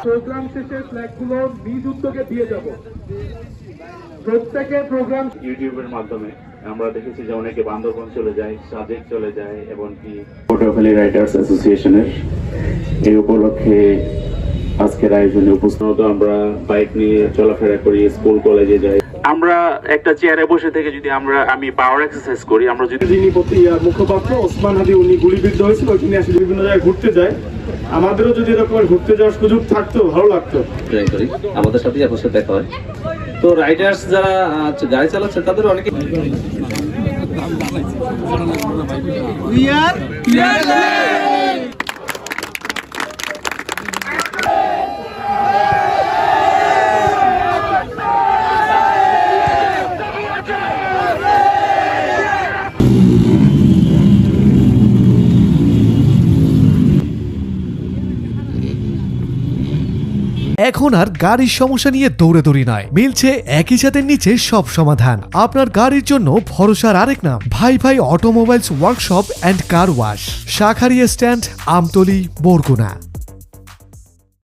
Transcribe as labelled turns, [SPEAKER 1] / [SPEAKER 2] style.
[SPEAKER 1] Programme শেষে ফ্ল্যাগগুলো নিজ উদ্যোগে দিয়ে যাব। প্রত্যেকের প্রোগ্রাম
[SPEAKER 2] ইউটিউবের মাধ্যমে আমরা দেখেছি যে অনেকে বান্দরবন চলে যায়, সাজেক চলে যায়, এমনকি পটুয়াখালী রাইটার্স অ্যাসোসিয়েশনের এই উপলক্ষে আজকের আয়োজনে উপস্থিত। আমরা বাইক নিয়ে চলাফেরা করি, স্কুল কলেজে যাই। আমরা একটা চেয়ারে বসে থেকে যদি আমি পাওয়ার এক্সারসাইজ করি, আমরা যদি
[SPEAKER 1] যিনি মুখপাত্র ওসমান হাদি উনি গুলিবিদ্ধ হয়েছিল, ওইখানে আসলে বিভিন্ন জায়গায় ঘুরতে যায়। আমাদেরও যদি এরকম ঘুরতে যাওয়ার সুযোগ থাকতো ভালো লাগতো।
[SPEAKER 3] আমাদের সাথে আপনার সাথে দেখা হয়। তো রাইডার্স যারা গাড়ি চালাচ্ছে তাদের অনেকে
[SPEAKER 4] এখন আর গাড়ির সমস্যা নিয়ে দৌড়াদৌড়ি নয়, মিলছে একই ছাদের নিচে সব সমাধান। আপনার গাড়ির জন্য ভরসার আরেক নাম ভাই ভাই automobiles workshop and car wash, Shakharia stand, Amtali, Barguna.